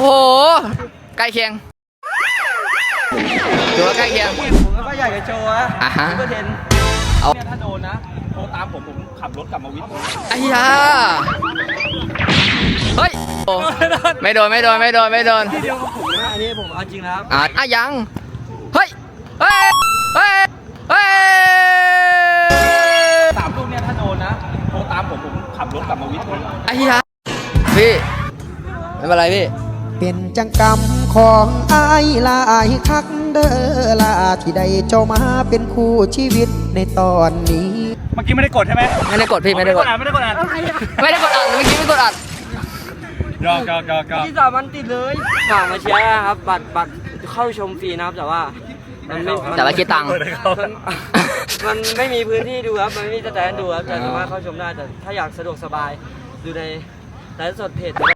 โหใกล้เคียงถือว่าใกล้เคียงผมก็อยากจะโชว์นะซุปเปอร์เทนเอาเนี่ยถ้าโดนนะโทรตามผมขับรถกลับมาวิทย์ไอ้ยาเฮ้ยไม่โดนที่เดียวกับผมนะอันนี้ผมเอาจริงนะครับยังเฮ้ยเฮ้ยเฮ้ยเฮ้ย 3 ลูกเนี่ยถ้าโดนนะโทรตามผมขับรถกลับมาวิทย์ไอ้ยาพี่ไม่เป็นไรพี่เป็นจังกรรมของอายลายคักเด้อลาที่ได้เจ้ามาเป็นคู่ชีวิตในตอนนี้เมื่อกี้ไม่ได้กดใช่ไหมไม่ได้กดพี่ไม่ได้กดไม่ได้กดอ่านเมื่อกี้ไม่กดอัดยอกที่3 วันติดเลยฝากมาเชียร์ครับบัตรเข้าชมฟรีนะครับแต่ว่าแต่ว่าคิดตังค์มันไม่มีพื้นที่ดูครับมันไม่มีสแตนดูครับแต่สามารถเข้าชมได้แต่ถ้าอยากสะดวกสบายดูในไลฟ์สดเพจ